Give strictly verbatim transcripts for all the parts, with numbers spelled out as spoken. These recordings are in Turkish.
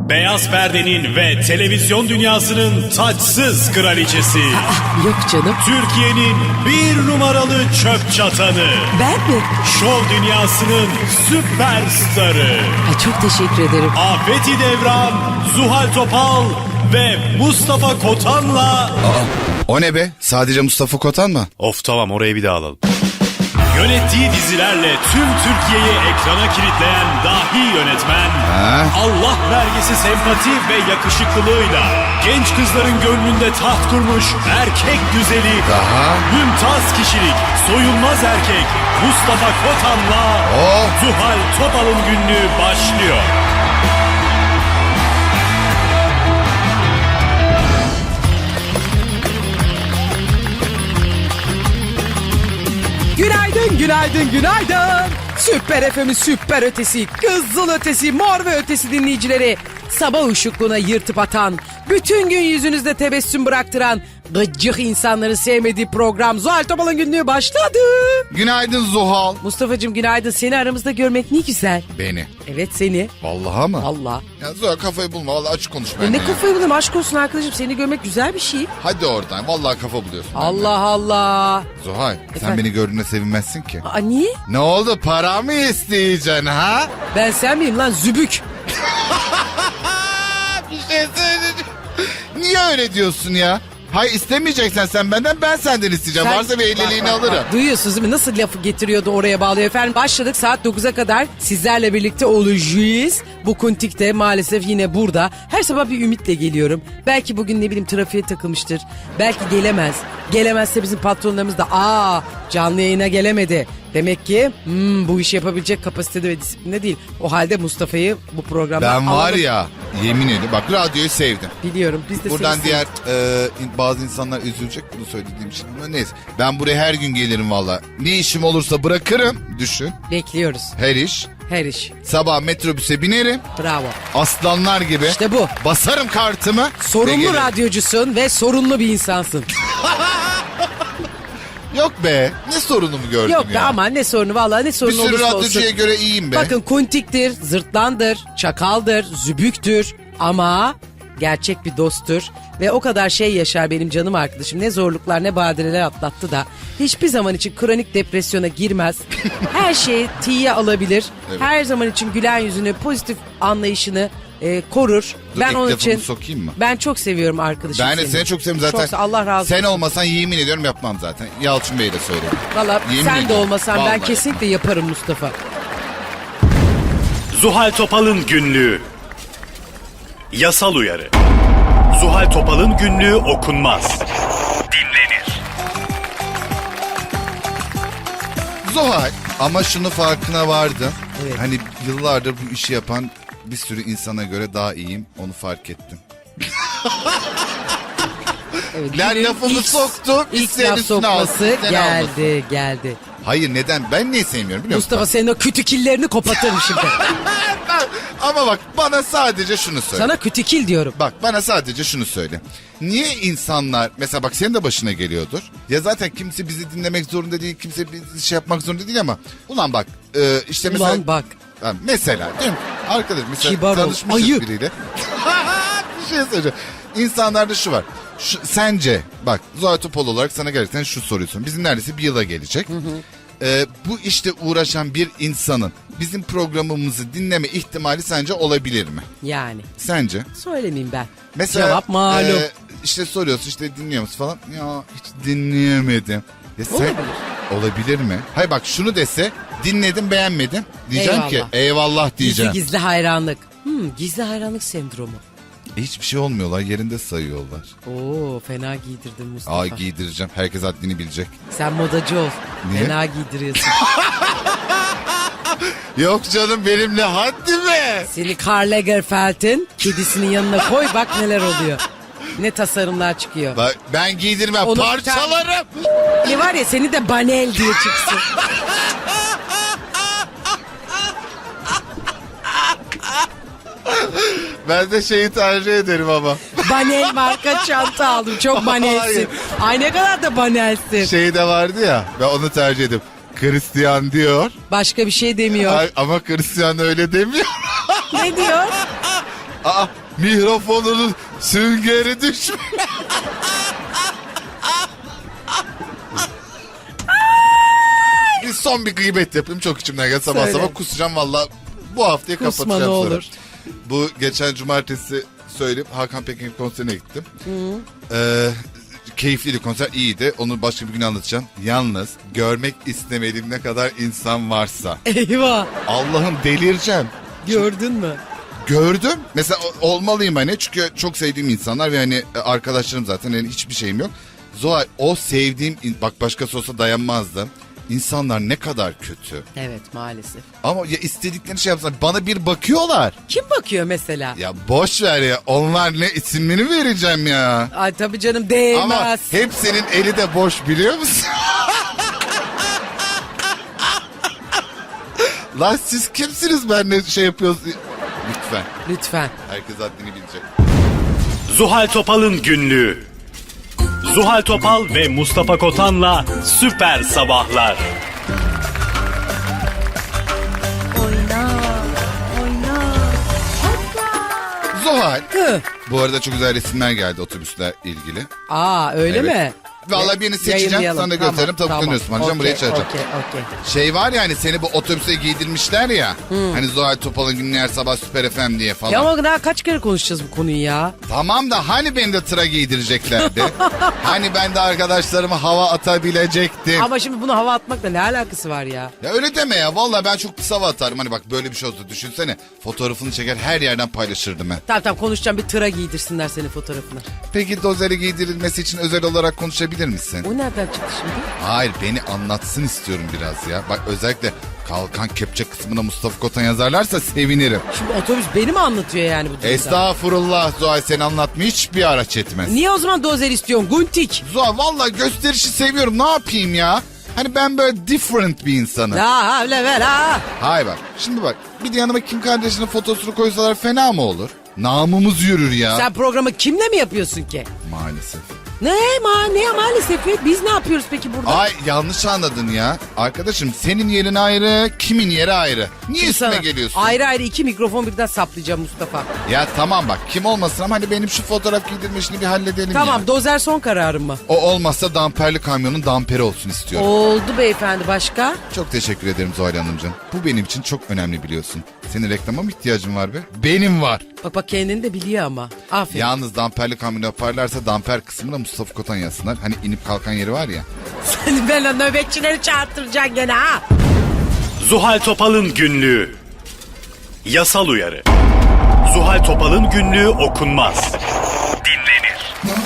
Beyaz perdenin ve televizyon dünyasının taçsız kraliçesi. Yok canım. Türkiye'nin bir numaralı çöp çatanı. Ben mi? Şov dünyasının süperstarı. Ay çok teşekkür ederim. Afeti Devran, Zuhal Topal ve Mustafa Kotan'la... Aa, o ne be? Sadece Mustafa Kotan mı? Of tamam, orayı bir daha alalım. Yönettiği dizilerle tüm Türkiye'yi ekrana kilitleyen dahi yönetmen, Ha? Allah vergisi sempati ve yakışıklılığıyla genç kızların gönlünde taht kurmuş erkek güzeli, Daha? mümtaz kişilik, soyulmaz erkek Mustafa Kotan'la Oh! Zuhal Topal'ın günlüğü başlıyor. Günaydın, günaydın, günaydın. Süper F M'in süper ötesi, kızıl ötesi, mor ve ötesi dinleyicileri. Sabah ışıklığına yırtıp atan, bütün gün yüzünüzde tebessüm bıraktıran, gıcık insanları sevmediği program Zuhal Topal'ın günlüğü başladı. Günaydın Zuhal. Mustafa'cığım günaydın, seni aramızda görmek ne güzel. Beni. Evet seni. Vallahi mı? Allah. Ya Zuhal kafayı bulma. Vallahi açık konuş Ya benimle ne ya. kafayı bulayım, aşk olsun arkadaşım, seni görmek güzel bir şey. Hadi oradan. Vallahi kafa buluyorsun. benimle. Allah Allah. Zuhal sen Efendim? beni gördüğünde sevinmezsin ki. Aa, niye? Ne oldu? Para mı isteyeceksin ha? Ben sen miyim lan zübük? Bir şey söyleyeceğim. Niye öyle diyorsun ya? Hayır istemeyeceksen sen benden, ben senden isteyeceğim. Sen- Varsa bir elliliğini Bak, bak, alırım. bak. Duyuyorsunuz değil mi? Nasıl lafı getiriyordu oraya bağlıyor efendim. Başladık, saat dokuza kadar sizlerle birlikte olacağız. Bu kuntik de maalesef yine burada. Her sabah bir ümitle geliyorum. Belki bugün ne bileyim trafiğe takılmıştır. Belki gelemez. Gelemezse bizim patronlarımız da aa canlı yayına gelemedi. Demek ki hmm, bu işi yapabilecek kapasitede ve disiplinde değil. O halde Mustafa'yı bu programdan Ben var alalım. ya, yemin ediyorum bak, radyoyu sevdim. Biliyorum biz de Buradan seni diğer e, in- bazı insanlar üzülecek bunu söylediğim için. Ama neyse, ben buraya her gün gelirim valla. Ne işim olursa bırakırım. Düşün, bekliyoruz. her iş. Her iş. Sabah metrobüse binerim. Bravo. Aslanlar gibi. İşte bu. Basarım kartımı. ve Sorunlu gelirim. radyocusun ve sorunlu bir insansın. Yok be, ne sorunumu gördün Yok ya. be aman ne sorunu, vallahi ne Bir sorunu sürü olursa radyocuya olsun. göre iyiyim be. Bakın kuntiktir, zırtlandır, çakaldır, zübüktür ama gerçek bir dosttur. Ve o kadar şey yaşar benim canım arkadaşım. Ne zorluklar ne badireler atlattı da hiçbir zaman için kronik depresyona girmez. Her şeyi tiye alabilir. Evet. Her zaman için gülen yüzünü, pozitif anlayışını e, korur. Dur, ben ilk onun lafımı için sokayım mı? ben çok seviyorum arkadaşım Ben de seni çok seviyorum zaten. Çok, Allah razı olsun. Sen olmasan yemin ediyorum yapmam zaten. Yalçın Bey'e de söyledim. Valla Yemin sen de ediyorum. olmasan ben Vallahi. kesinlikle yaparım Mustafa. Zuhal Topal'ın günlüğü. Yasal uyarı. Zuhal Topal'ın günlüğü okunmaz. Dinlenir. Zuhal, ama şunu farkına vardım. Evet. Hani yıllardır bu işi yapan bir sürü insana göre daha iyiyim. Onu fark ettim. Evet, Lan günün lafımı ilk- soktum, İlk isteyen laf üstüne alsın, sokması isteyen geldi almasın. geldi. Hayır, neden? Ben niye sevmiyorum biliyor musun? Mustafa senin o kütükillerini kopartırım şimdi. Ama bak, bana sadece şunu söyle. Sana kütükil diyorum. Bak, bana sadece şunu söyle. Niye insanlar, mesela bak senin de başına geliyordur. Ya zaten kimse bizi dinlemek zorunda değil, kimse bizi şey yapmak zorunda değil ama. Ulan bak, e, işte mesela. Ulan bak. Ha, mesela değil mi? Arkadaş mesela Kibar ol, tanışmışız ayı. biriyle. Bir şey söyleyeceğim. İnsanlarda şu var. Şu, sence bak, Zuhal Topal olarak sana gerçekten şu soruyorsun. Bizim neredeyse bir yıla gelecek. Ee, bu işte uğraşan bir insanın bizim programımızı dinleme ihtimali sence olabilir mi? Yani Sence? söylemeyeyim ben. Mesela Cevap malum. e, işte soruyorsun, işte dinliyor musun falan. Ya hiç dinleyemedim. Ya sen, Olabilir. olabilir mi? Hayır bak, şunu dese dinledim beğenmedim. Diyeceğim Eyvallah. ki eyvallah diyeceğim. Gizli gizli hayranlık. Hmm, gizli hayranlık sendromu. E, hiçbir şey olmuyorlar, yerinde sayıyorlar. Oo fena giydirdin Mustafa. Aa, giydireceğim, herkes haddini bilecek. Sen modacı ol. Niye? Fena giydiriyorsun. Yok canım, benimle haddi mi? Seni Karl Lagerfeld'in kedisinin yanına koy bak neler oluyor. Ne tasarımlar çıkıyor. Bak, ben giydirmem, Onu- parçalarım. Ne var ya seni de Banel diye çıksın. Ben de şeyi tercih ederim ama. Banel marka çanta aldım. Çok banelsin. Hayır. Ay ne kadar da banelsin. Şey de vardı ya, ben onu tercih ederim. Christian diyor. Başka bir şey demiyor. Ay, ama Christian öyle demiyor. Ne diyor? Aa, mikrofonunun süngeri düşmüş. Bir son bir gıybet yapayım, çok içimden geldi. Sabah Söyle. sabah kusacağım valla. Bu haftayı Kusma kapatacağım ne sonra. olur. Bu geçen cumartesi söyleyip Hakan Pekin konserine gittim. Ee, keyifliydi konser, iyiydi. Onu başka bir gün anlatacağım. Yalnız görmek istemediğim ne kadar insan varsa. Eyvah. Allah'ım delireceğim. Gördün mü? Gördüm. Mesela o- olmalıyım hani. Çünkü çok sevdiğim insanlar ve hani e, arkadaşlarım zaten. Yani hiçbir şeyim yok. Zuhal, o sevdiğim in- bak başkası olsa dayanmazdım. İnsanlar ne kadar kötü. Evet maalesef. Ama ya istedikleri şey yapsınlar. Bana bir bakıyorlar. Kim bakıyor mesela? Ya boş ver ya. Onlar ne, isimlerini vereceğim ya. Ay tabii canım değmez. Ama hepsinin eli de boş, biliyor musun? Lan siz kimsiniz, ben ne şey yapıyoruz? Lütfen. Lütfen. Herkes haddini bilecek. Zuhal Topal'ın günlüğü. Zuhal Topal ve Mustafa Kotan'la Süper Sabahlar. Zuhal. Hı. Bu arada çok güzel resimler geldi otobüsle ilgili. Aa öyle Evet. mi? Vallahi birini seçeceğim, Yayınlayalım. sana da gösteririm, tabii dönüyorsun. Anlayacağım, buraya çağıracağım. Okey okey. Şey var ya hani, seni bu otobüse giydirmişler ya. Hani Zuhal Topal'ın günlüğü her sabah Süper F M diye falan. Ya ama daha kaç kere konuşacağız bu konuyu ya? Tamam da hani beni de tıra giydireceklerdi. Hani ben de arkadaşlarıma hava atabilecektim. Ama şimdi bunu hava atmakla ne alakası var ya? Ya öyle deme ya. Vallahi ben çok pis hava atarım. Hani bak, böyle bir şey olsa düşünsene. Fotoğrafını çeker her yerden paylaşırdım ben. Tamam tamam konuşacağım, bir tıra giydirsinler senin fotoğrafını. Peki dozere giydirilmesi için özel olarak konuşabilir misin? O nereden çıktı şimdi? Hayır, beni anlatsın istiyorum biraz ya. Bak özellikle kalkan kepçe kısmına Mustafa Kotan yazarlarsa sevinirim. Şimdi otobüs beni mi anlatıyor yani bu durumda? Estağfurullah Zuhal, seni anlatmıyor hiçbir araç etmez. Niye o zaman dozer istiyorsun Guntik? Zuhal vallahi gösterişi seviyorum, ne yapayım ya? Hani ben böyle different bir insanım. La havle ve la. Hayır bak, şimdi bak, bir de yanıma Kim Kardashian'ın fotosunu koysalar fena mı olur? Namımız yürür ya. Sen programı kimle mi yapıyorsun ki? Maalesef. Ne ma ne maalesef ya? Biz ne yapıyoruz peki burada? Ay yanlış anladın ya. Arkadaşım senin yerin ayrı, kimin yeri ayrı. Niye Şimdi üstüme sana geliyorsun? Ayrı ayrı iki mikrofon birden saplayacağım Mustafa. Ya tamam bak, kim olmasın ama hani benim şu fotoğraf giydirme işini bir halledelim Tamam ya. dozer son kararım mı? O olmazsa damperli kamyonun damperi olsun istiyorum. Oldu beyefendi, başka? Çok teşekkür ederim Zuhal Hanımcığım. Bu benim için çok önemli, biliyorsun. Senin reklama mı ihtiyacın var be? Benim var. Bak bak kendini de biliyor ama. Aferin. Yalnız damperli kamyon yaparlarsa damper kısmına Mustafa Kotan yazsınlar. Hani inip kalkan yeri var ya. Sen ben o nöbetçileri çağırtıracaksın gene ha. Zuhal Topal'ın günlüğü. Yasal uyarı. Zuhal Topal'ın günlüğü okunmaz. Dinlenir.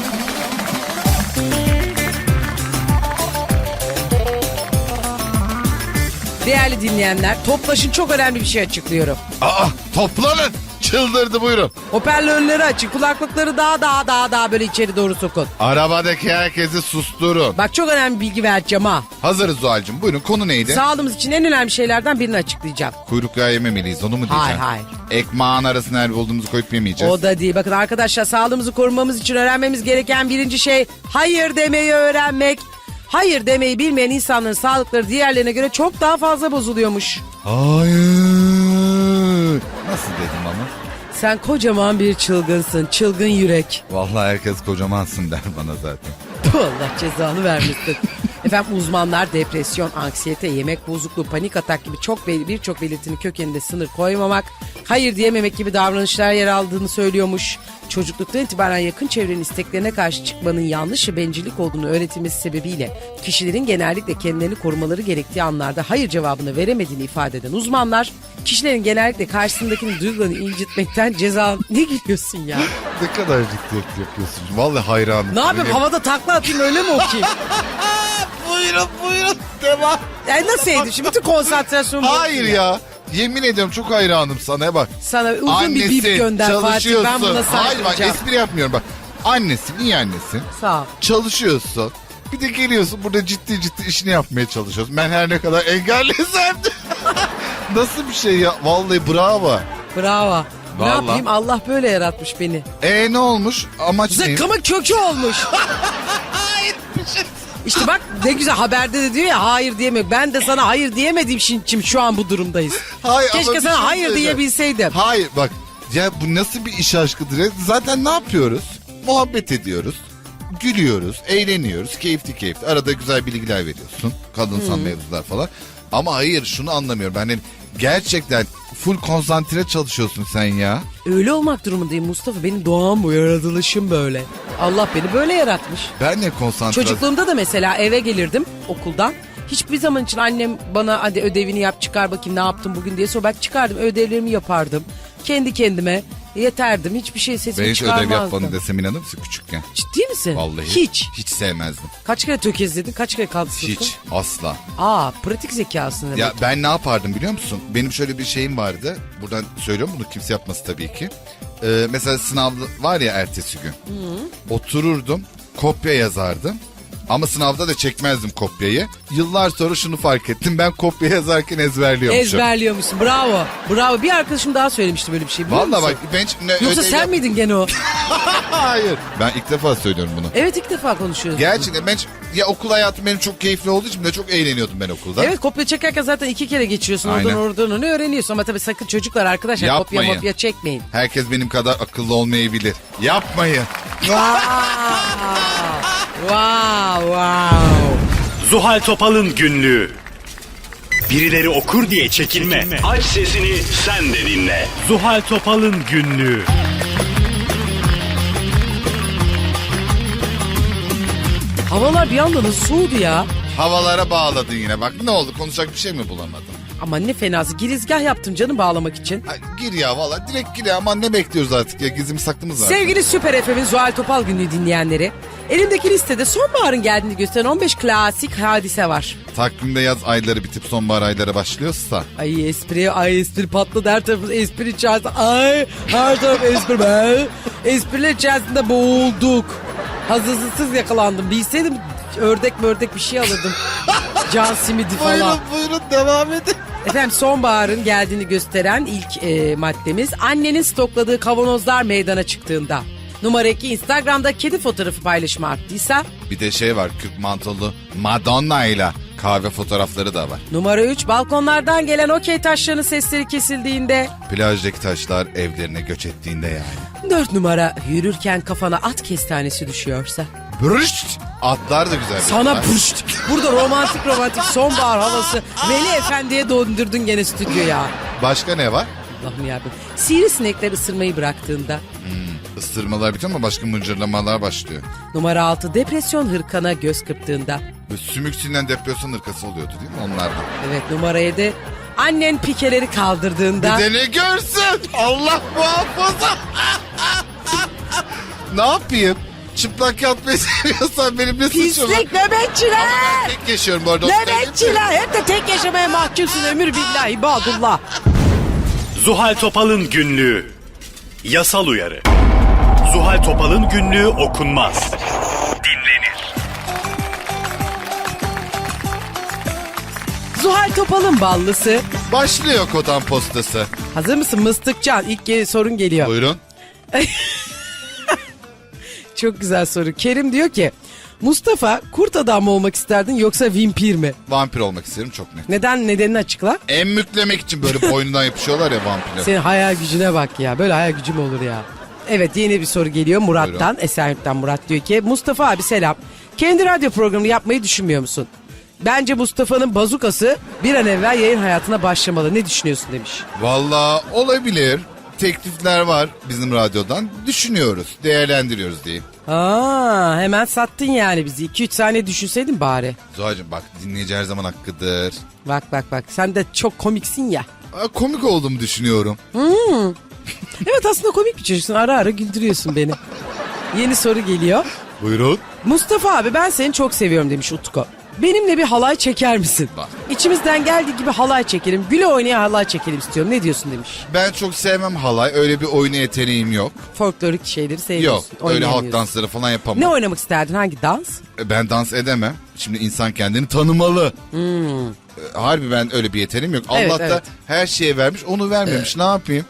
Değerli dinleyenler, Toplaş'ın çok önemli bir şey açıklıyorum. Aa, toplanın. Çıldırdı, buyurun. Hoparlörleri açın, kulaklıkları daha daha daha daha böyle içeri doğru sokun. Arabadaki herkesi susturun. Bak çok önemli bilgi vereceğim ha. Hazırız Zuhal'cığım. Buyurun, konu neydi? Sağlığımız için en önemli şeylerden birini açıklayacağım. Kuyruk yağı yememeliyiz, onu mu diyeceğim? Hayır, hayır. Ekmağın arasına her bulduğumuzu koyup yemeyeceğiz. O da değil. Bakın arkadaşlar, sağlığımızı korumamız için öğrenmemiz gereken birinci şey hayır demeyi öğrenmek. Hayır demeyi bilmeyen insanların sağlıkları diğerlerine göre çok daha fazla bozuluyormuş. Hayır. Nasıl dedim ama? Sen kocaman bir çılgınsın, çılgın yürek. Vallahi herkes kocamansın der bana zaten. Allah cezanı vermesin. Efendim uzmanlar depresyon, anksiyete, yemek bozukluğu, panik atak gibi çok bel- birçok belirtinin kökeninde sınır koymamak, hayır diyememek gibi davranışlar yer aldığını söylüyormuş. Çocukluktan itibaren yakın çevrenin isteklerine karşı çıkmanın yanlış ve bencillik olduğunu öğretilmesi sebebiyle kişilerin genellikle kendilerini korumaları gerektiği anlarda hayır cevabını veremediğini ifade eden uzmanlar, kişilerin genellikle karşısındakinin duygularını incitmekten ceza... Ne gülüyorsun ya? Ne kadar ciddiyet yapıyorsun. Vallahi hayranım. Ne yapayım, havada takla atayım öyle mi okuyayım? Buyurun buyurun, devam. Yani nasıl edeyim şimdi, bütün konsantrasyonumu... Hayır ya. Yemin ediyorum çok hayranım sana, bak. Sana uzun Annesi, bir bip gönder Fatih, çalışıyorsun. ben buna Hayır bak, sarkacağım. espri yapmıyorum bak. Annesin, iyi annesin. Sağ ol. Çalışıyorsun. Bir de geliyorsun burada ciddi ciddi işini yapmaya çalışıyorsun. Ben her ne kadar engellesem de. Nasıl bir şey ya? Vallahi bravo. Bravo. Ne Vallahi. yapayım, Allah böyle yaratmış beni. E ne olmuş? Amaç ne? Zıkkımın kökü olmuş. İşte bak ne güzel, haberde de diyor ya hayır diyemiyor. Ben de sana hayır diyemediğim için şu an bu durumdayız. Hayır, ama Keşke bir sana şey hayır söyleyeceğim. diyebilseydim. Hayır bak, Ya bu nasıl bir iş aşkıdır ya? Zaten ne yapıyoruz? Muhabbet ediyoruz. Gülüyoruz, eğleniyoruz, keyifli keyifli. Arada güzel bilgiler veriyorsun. Kadınsal Hmm. mevzular falan. Ama hayır şunu anlamıyorum. Ben hani gerçekten full konsantre çalışıyorsun sen ya. Öyle olmak durumundayım Mustafa. Benim doğam bu, yaratılışım böyle. Allah beni böyle yaratmış. Ben ne konsantre... Çocukluğumda da mesela eve gelirdim okuldan. Hiçbir zaman için annem bana hadi ödevini yap çıkar bakayım ne yaptın bugün diye sor. Ben çıkardım ödevlerimi yapardım. Kendi kendime yeterdim. Hiçbir şey sesimi Ben hiç çıkarmazdım. ödev yapmadın desem inanır mısın küçükken? Ciddi misin? Vallahi. Hiç. Hiç sevmezdim. Kaç kere tökezledin? Kaç kere kaldı sınıfta? Hiç. Asla. Aa, pratik zekasın demek. Ya ben ne yapardım biliyor musun? Benim şöyle bir şeyim vardı. Buradan söylüyorum bunu kimse yapması tabii ki. Ee, mesela sınav var ya ertesi gün. Otururdum, kopya yazardım. Ama sınavda da çekmezdim kopyayı. Yıllar sonra şunu fark ettim. Ben kopya yazarken ezberliyormuşum. Ezberliyormuşsun. Bravo. Bravo. Bir arkadaşım daha söylemişti böyle bir şey. biliyor Vallahi musun? bak ben hiç ne Yoksa ödev sen yap- miydin gene o? Hayır. Ben ilk defa söylüyorum bunu. Evet, ilk defa konuşuyoruz. Gerçekten ben hiç- ya okul hayatım benim çok keyifli olduğu için de çok eğleniyordum ben okulda. Evet, kopya çekerken zaten iki kere geçiyorsun. Aynen. Oradan oradan onu öğreniyorsun. Ama tabii sakın çocuklar arkadaşlar kopya Yapmayın. mopya çekmeyin. Herkes benim kadar akıllı olmayabilir. Yapmayın. Wow. wow wow. Zuhal Topal'ın günlüğü. Birileri okur diye çekinme. Aç sesini sen de dinle. Zuhal Topal'ın günlüğü. Havalar bir anda nasıl soğudu ya. Havalara bağladın yine. Bak ne oldu konuşacak bir şey mi bulamadın? Ama ne fenası, girizgah yaptım canım bağlamak için. Ha, gir ya valla direkt gir ya. Aman ne bekliyoruz artık ya gizim saklımız var. Sevgili Süper F M'in Zuhal Topal günlüğü dinleyenleri. Elimdeki listede sonbaharın geldiğini gösteren on beş klasik hadise var. Takvimde yaz ayları bitip sonbahar ayları başlıyorsa. Ay espri, ay espri patladı, her tarafımız espri içerisinde. Ay her taraf espri be. Espriler içerisinde boğulduk. Hazırsız yakalandım. Bilseydim ördek ördek bir şey alırdım. Can simidi falan. Buyurun buyurun devam edin. Efendim sonbaharın geldiğini gösteren ilk e, maddemiz annenin stokladığı kavanozlar meydana çıktığında. Numara iki, Instagram'da kedi fotoğrafı paylaşımı arttıysa. Bir de şey var kürk mantolu Madonna ile kahve fotoğrafları da var. Numara üç, balkonlardan gelen okey taşlarının sesleri kesildiğinde. Plajdaki taşlar evlerine göç ettiğinde yani. Dört numara, yürürken kafana at kestanesi düşüyorsa. Brüşt! Atlar da güzel. Sana bir puşt. Burada romantik romantik sonbahar havası. Veli Efendi'ye döndürdün gene stüdyoya. Başka ne var? Allah'ım yarabbim. Sivrisinekler ısırmayı bıraktığında. Isırmalar bitiyor ama başka mıncırlamalar başlıyor. Numara altı, depresyon hırkana göz kırptığında. Böyle sümük sinen depresyon hırkası oluyordu değil mi onlardan? Evet, numara yedi, annen pikeleri kaldırdığında. Bir de ne görsün? Allah muhafaza. Ne yapayım? Çıplak yatmayı seviyorsan benim ne suçum var? Pislik nöbetçiler. Tek yaşıyorum bu arada. onu söyleyeyim de. Nöbetçiler. Hep de tek yaşamaya mahkumsun ömür billahi ibadullah. Zuhal Topal'ın günlüğü. Yasal uyarı. Zuhal Topal'ın günlüğü okunmaz. Dinlenir. Zuhal Topal'ın ballısı. Başlıyor Kotan postası. Hazır mısın Mıstıkcan? İlk ge- sorun geliyor. Buyurun. Çok güzel soru. Kerim diyor ki, Mustafa kurt adam mı olmak isterdin yoksa vampir mi? Vampir olmak isterim çok net. Neden, nedenini açıkla. Emmüklemek için böyle boynundan yapışıyorlar ya vampirler. Senin hayal gücüne bak ya. Böyle hayal gücüm olur ya. Evet, yeni bir soru geliyor Murat'tan. Buyurun. Esenyurt'tan Murat diyor ki, Mustafa abi selam. Kendi radyo programını yapmayı düşünmüyor musun? Bence Mustafa'nın bazukası bir an evvel yayın hayatına başlamalı. Ne düşünüyorsun demiş. Valla olabilir. Teklifler var bizim radyodan. Düşünüyoruz, değerlendiriyoruz diyeyim. Aa, hemen sattın yani bizi. iki üç saniye düşünseydin bari. Zuhal'cığım bak dinleyici her zaman hakkıdır. Bak bak bak, sen de çok komiksin ya. Aa, komik olduğumu düşünüyorum. Evet, aslında komik bir çocuksun. Ara ara güldürüyorsun beni. Yeni soru geliyor. Buyurun. Mustafa abi ben seni çok seviyorum demiş Utku. Benimle bir halay çeker misin? Bak. İçimizden geldiği gibi halay çekelim. Güle oynaya halay çekelim istiyorum. Ne diyorsun demiş. Ben çok sevmem halay. Öyle bir oyuna yeteneğim yok. Folklorik şeyleri Yok. seviyorsun. Öyle halk oynayamıyorsun. dansları falan yapamam. Ne oynamak isterdin? Hangi dans? E, Ben dans edemem. Şimdi insan kendini tanımalı. E, Harbi ben öyle bir yeteneğim yok. Hmm. Evet, Allah da evet. her şeye vermiş onu vermemiş. Ne yapayım?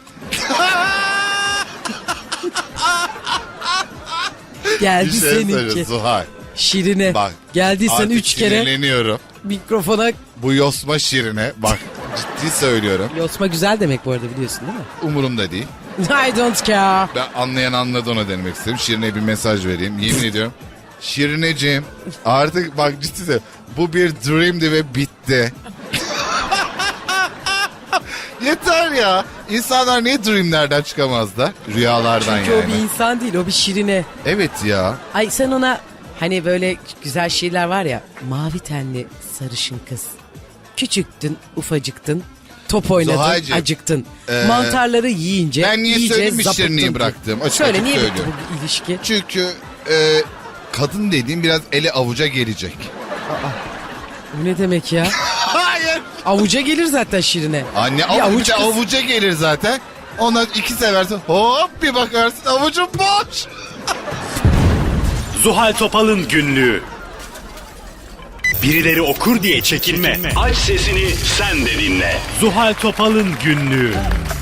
Geldi Bir şey söyle seninki. Zuhal. Şirine. Bak. Geldiysen artık üç kere sinirleniyorum. mikrofona. Bu yosma şirine bak ciddi söylüyorum. Yosma güzel demek bu arada, biliyorsun değil mi? Umurumda değil. I don't care. Ben anlayan anladı ona demek istedim. Şirine'ye bir mesaj vereyim. Yemin ediyorum. Şirineciğim artık bak ciddi söylüyorum. Bu bir dreamdi ve bitti. Yeter ya. İnsanlar niye dreamlerden çıkamaz da? Rüyalardan Çünkü yani. o bir insan değil, o bir şirine. Evet ya. Ay sen ona hani böyle güzel şiirler var ya. Mavi tenli sarışın kız. Küçüktün, ufacıktın. Top oynadın, Zuhal'cığım, acıktın. e, Mantarları yiyince ben niye iyice söyleyeyim mi zapıttın Şirine'yi ki. bıraktım? Açık Söyle açık niye bitti söylüyorum. bu ilişki? Çünkü e, kadın dediğim biraz ele avuca gelecek. Bu ne demek ya? Hayır. Avuca gelir zaten şirine. Anne Bir avuç, avuç bir de kız. avuca gelir zaten. Ona iki seversin. Hop bir bakarsın avucun boş. Zuhal Topal'ın günlüğü. Birileri okur diye çekinme. Aç sesini sen de dinle. Zuhal Topal'ın günlüğü.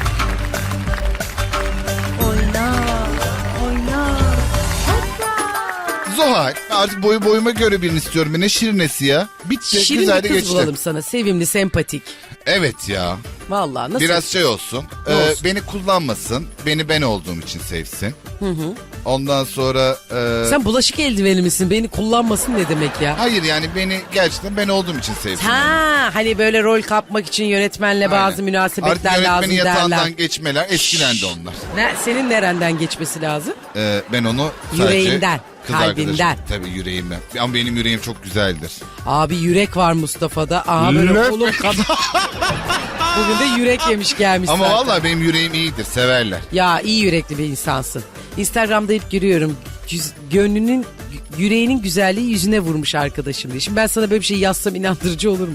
Zuhal artık boyu boyuma göre birini istiyorum. Ne şirinesi ya. Bitti. Şirin güzel de bir kız geçti. bulalım sana. Sevimli, sempatik. Evet ya. Vallahi nasıl? Biraz şey olsun. Ne e, olsun? beni kullanmasın. Beni ben olduğum için sevsin. Ondan sonra... e, Sen bulaşık eldiveni misin? Beni kullanmasın ne demek ya? Hayır yani beni gerçekten ben olduğum için sevsin. Ha, hani böyle rol kapmak için yönetmenle bazı Aynen. münasebetler Artık lazım yönetmenin yatağından derler. geçmeler eskilendi onlar. Ne, senin nereden geçmesi lazım? Ee, ben onu sadece Yüreğinden, kız kalbinden. arkadaşım- Tabii yüreğimden. Ama benim yüreğim çok güzeldir. Abi yürek var Mustafa'da. Aha böyle Löp. kolum kadar. Bugün de yürek yemiş gelmiş Ama zaten. vallahi benim yüreğim iyidir. Severler. Ya iyi yürekli bir insansın. Instagram'da hep görüyorum. Yüz- gönlünün, yüreğinin güzelliği yüzüne vurmuş arkadaşım diye. Şimdi ben sana böyle bir şey yazsam inandırıcı olur mu?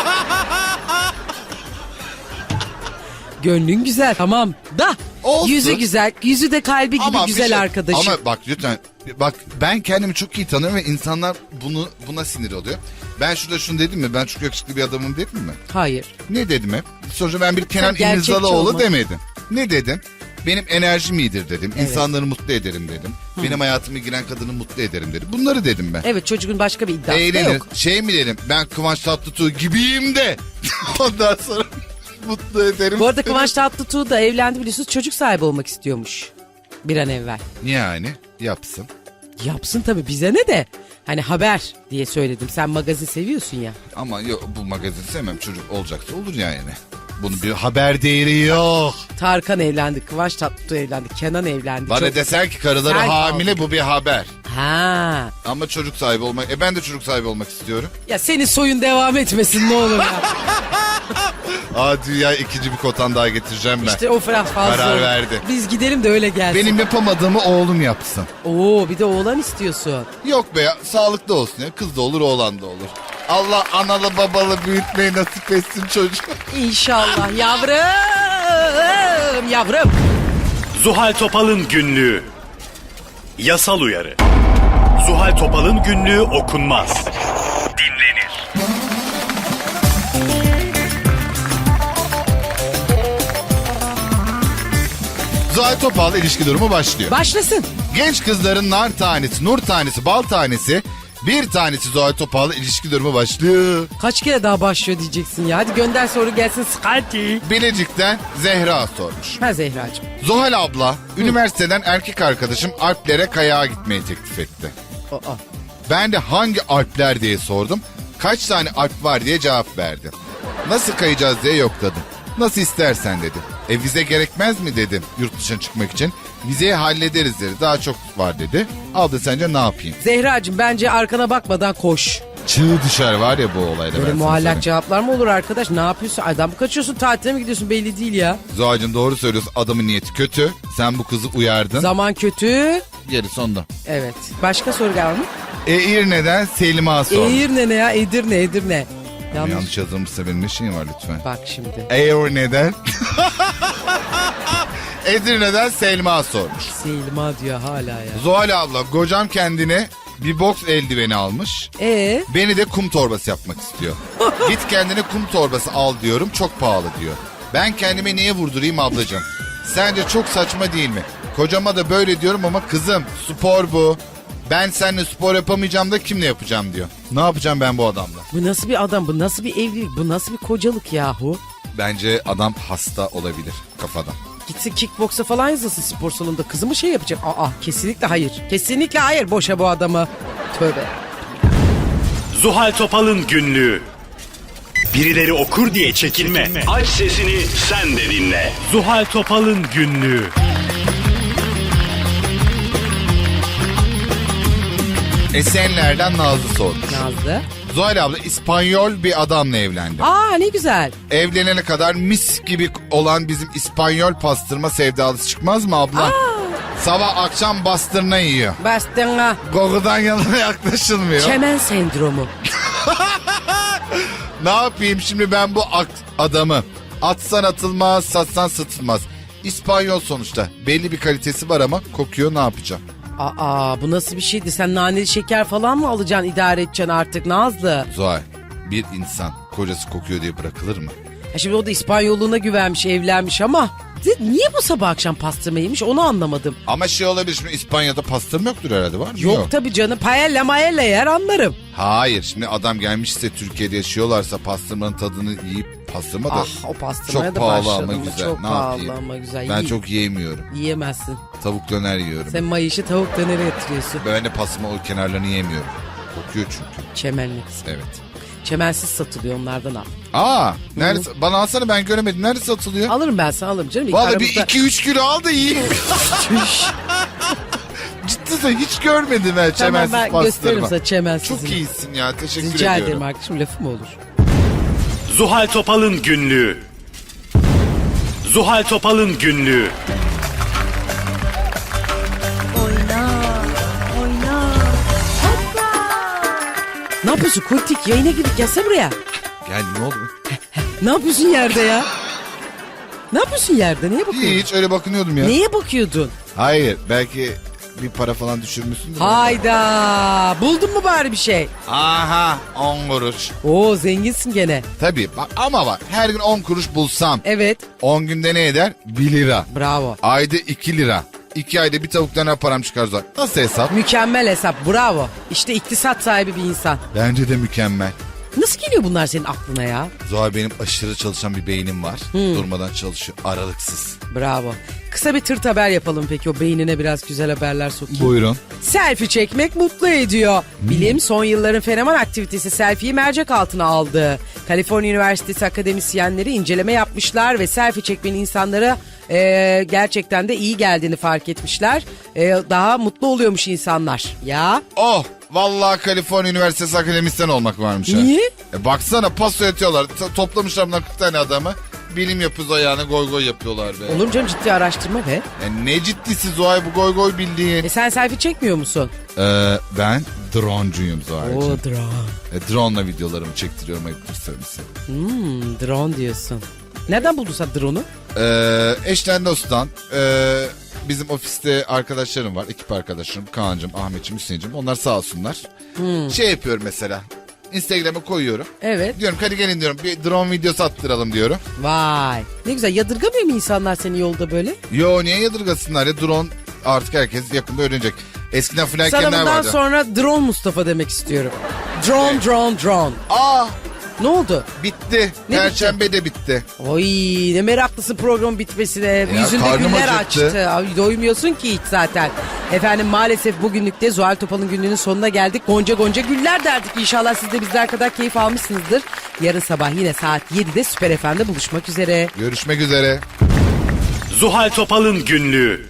Gönlün güzel tamam da Olsun. yüzü güzel, yüzü de kalbi gibi Ama bir güzel şey- arkadaşım. Ama bak lütfen. Bak ben kendimi çok iyi tanıyorum ve insanlar bunu buna sinir oluyor. Ben şurada şunu dedim mi? Ben çok yakışıklı bir adamım dedim mi? Hayır. Ne dedim hep? Sonuçta ben bir Kenan gerçekçi İmirzalıoğlu olma. demedim. Ne dedim? Benim enerjim iyidir dedim. Evet. İnsanları mutlu ederim dedim. Benim hayatıma giren kadını mutlu ederim dedim. Bunları dedim ben. Evet çocuğun başka bir iddiası da Eğlenir. yok. Şey mi dedim? Ben Kıvanç Tatlıtuğ gibiyim de. Ondan sonra mutlu ederim. Bu arada dedim. Kıvanç Tatlıtuğ da evlendi biliyorsunuz çocuk sahibi olmak istiyormuş. Bir an evvel. Yani yapsın. Yapsın tabii bize ne de. Hani haber diye söyledim. Sen magazin seviyorsun ya. Ama yok bu magazin sevmem. Çocuk olacaksa olur yani. Bunun bir haber değeri yok. Tarkan evlendi, Kıvanç Tatlıtuğ evlendi, Kenan evlendi. Bana Çok- desen ki karıları Sen hamile bu bir haber. Ha. Ama çocuk sahibi olmak... E ben de çocuk sahibi olmak istiyorum. Ya senin soyun devam etmesin ne olur ya. Aa dünya ikinci bir kotan daha getireceğim ben. İşte o biraz fazla. Karar oldu. verdi. Biz gidelim de öyle gelsin. Benim yapamadığımı oğlum yapsın. Oo bir de oğlan istiyorsun. Yok be ya sağlıklı olsun ya. Kız da olur oğlan da olur. Allah analı babalı büyütmeyi nasip etsin çocuğu. İnşallah yavrum. Yavrum. Zuhal Topal'ın günlüğü. Yasal uyarı. Zuhal Topal'ın günlüğü okunmaz. Dinlenir. Zuhal Topal ilişki durumu başlıyor. Başlasın. Genç kızların nar tanesi, nur tanesi, bal tanesi, bir tanesi Zuhal Topal'la ilişki durumu başlıyor. Kaç kere daha başlıyor diyeceksin ya. Hadi gönder soru gelsin. Hadi. Bilecik'ten Zehra sormuş. Ha Zehracığım. Zuhal abla, üniversiteden erkek arkadaşım Alplere kayağa gitmeyi teklif etti. Aa. Ben de hangi Alpler diye sordum. Kaç tane Alp var diye cevap verdi. Nasıl kayacağız diye yokladım. Nasıl istersen dedi. E vize gerekmez mi dedim yurt dışına çıkmak için. Vizeyi hallederiz dedi. Daha çok var dedi. Abla sence ne yapayım? Zehracığım bence arkana bakmadan koş. Çığ dışarı var ya bu olayda. Böyle ben sana muallak söyleyeyim. cevaplar mı olur arkadaş? Ne yapıyorsun? Adam mı kaçıyorsun? Tatile mi gidiyorsun? Belli değil ya. Zuhal'cığım doğru söylüyorsun. Adamın niyeti kötü. Sen bu kızı uyardın. Zaman kötü. Gerisi onda. Evet. Başka soru var mı? Edirne'den Selma sormuş. Edirne ne ya? Edirne, Edirne. Yanlış. Yanlış yazılmışsa benim ne şeyim var lütfen. Bak şimdi. Edirne'den. Edirne'den Selma sormuş. Selma diyor hala ya. Zuhal abla kocam kendine bir boks eldiveni almış. Ee, Beni de kum torbası yapmak istiyor. Git kendine kum torbası al diyorum çok pahalı diyor. Ben kendime niye vurdurayım ablacığım? Sence çok saçma değil mi? Kocama da böyle diyorum ama kızım spor bu. Ben seninle spor yapamayacağım da kimle yapacağım diyor. Ne yapacağım ben bu adamla? bu nasıl bir adam? Bu nasıl bir evlilik? Bu nasıl bir kocalık yahu? Bence adam hasta olabilir kafadan. Gitsin kickboksa falan yazılsın spor salonunda. Kızı mı şey yapacak? Aa kesinlikle hayır. Kesinlikle hayır. Boşa bu adamı. Tövbe. Zuhal Topal'ın günlüğü. Birileri okur diye çekinme. Aç sesini sen de dinle. Zuhal Topal'ın günlüğü. Esenler'den Nazlı sormuş. Nazlı. Zuhal abla İspanyol bir adamla evlendi. Aa ne güzel. Evlenene kadar mis gibi olan bizim İspanyol pastırma sevdalısı çıkmaz mı abla? Aa. Sabah akşam bastırma yiyor. Bastına. Gogu'dan yanına yaklaşılmıyor. Çemen sendromu. Ne yapayım şimdi ben bu ak- adamı? Atsan atılmaz, satsan satılmaz. İspanyol sonuçta. Belli bir kalitesi var ama kokuyor, ne yapacağım? Aa bu nasıl bir şeydi? Sen naneli şeker falan mı alacaksın, idare edeceksin artık Nazlı? Zuhal, bir insan kocası kokuyor diye bırakılır mı? Ha şimdi o da İspanyolluğuna güvenmiş, evlenmiş ama niye bu sabah akşam pastırma yemiş onu anlamadım. Ama şey olabilir, şimdi İspanya'da pastırma yoktur herhalde, var mı? Yok, tabii canım, paella maella yer anlarım. Hayır, şimdi adam gelmişse Türkiye'de yaşıyorlarsa pastırmanın tadını yiyip pastırma da Ah o pastırmaya çok da pahalı başladım. ama güzel. Çok Ne pahalı yapayım? ama güzel. Ben Yi- çok yiyemiyorum. Yiyemezsin. Tavuk döner yiyorum. Sen mayışı tavuk dönere yatırıyorsun. Ben de pastırma o kenarlarını yiyemiyorum. Kokuyor çünkü. Çemenlik. Evet. Çemensiz satılıyor, onlardan al. Aa, nerede? Bana alsana, ben göremedim. Nerede satılıyor? Alırım ben sana, alırım canım. İlk Vallahi bir aramızda- iki üç kilo al da yiyeyim. Ciddi söylüyorum, hiç görmedim ben Tamam çemensiz ben gösteririm pastırma. sana çemensiz. Çok iyisin ya, teşekkür Rica ediyorum. ederim arkadaşım, lafı mı olur? Zuhal Topal'ın günlüğü. Zuhal Topal'ın günlüğü. Ne yapıyorsun Kultik? Yayına girdik, gelsene buraya. Gel, ne oldu? Ne yapıyorsun yerde ya? Ne yapıyorsun yerde? Neye bakıyorsun? Hiç, öyle bakınıyordum ya. Neye bakıyordun? Hayır, belki bir para falan düşürmüşsündür. Hayda. Buldun mu bari bir şey? Aha, on kuruş. Oo zenginsin gene. Tabii bak, ama bak, her gün on kuruş bulsam Evet. on günde ne eder? bir lira. Bravo. Ayda iki lira. iki ayda bir tavuk döner param çıkar zaten. Nasıl hesap? Mükemmel hesap. Bravo. İşte iktisat sahibi bir insan. Bence de mükemmel. Nasıl geliyor bunlar senin aklına ya? Zuhal, benim aşırı çalışan bir beynim var. Durmadan çalışıyor, aralıksız. Bravo. Kısa bir tırt haber yapalım peki, o beynine biraz güzel haberler sokayım. Buyurun. Selfie çekmek mutlu ediyor. Bilim son yılların fenomen aktivitesi selfie'yi mercek altına aldı. Kaliforniya Üniversitesi akademisyenleri inceleme yapmışlar ve selfie çekmenin insanlara e, gerçekten de iyi geldiğini fark etmişler. E, daha mutlu oluyormuş insanlar. Ya Oh, vallahi Kaliforniya Üniversitesi akademisyen olmak varmış ha. niye? E baksana, paso yatıyorlar. T- toplamışlar bunlar kırk tane adamı. Bilim yapıyoruz ayağına, goy goy yapıyorlar be. Olur mu canım, ciddi araştırma be. E ne ciddisi Zuhal, bu goy goy bildiğin. E sen selfie çekmiyor musun? Ee, ben droncuyum Zuhal'cığım. Oo drone. E, drone'la videolarımı çektiriyorum, ayıptır söylemesi. Hmm, drone diyorsun. Nereden buldun sen drone'u? Ee, eşten dosttan, e, bizim ofiste arkadaşlarım var, ekip arkadaşlarım, Kaan'cığım, Ahmet'ciğim, Hüseyin'cim, onlar sağ olsunlar. Şey yapıyorum mesela, Instagram'a koyuyorum. Evet. Diyorum hadi gelin diyorum, bir drone videosu attıralım diyorum. Vay. Ne güzel, yadırgamıyor mu insanlar seni yolda böyle? Yo, niye yadırgasınlar ya, drone artık herkes yakında öğrenecek. Eskiden Sana flankerler bundan vardı. sonra drone Mustafa demek istiyorum. Drone, drone, drone. Aa, Ne oldu? bitti. Ne Perşembe de bitti. Oy ne meraklısın program bitmesine. Yüzünde karnım güller acıktı. açtı. Ay, doymuyorsun ki hiç zaten. Efendim maalesef bugünlük de Zuhal Topal'ın günlüğünün sonuna geldik. Gonca gonca güller derdik. İnşallah siz de bizler kadar keyif almışsınızdır. Yarın sabah yine saat yedide Süper F M'de buluşmak üzere. Görüşmek üzere. Zuhal Topal'ın günlüğü.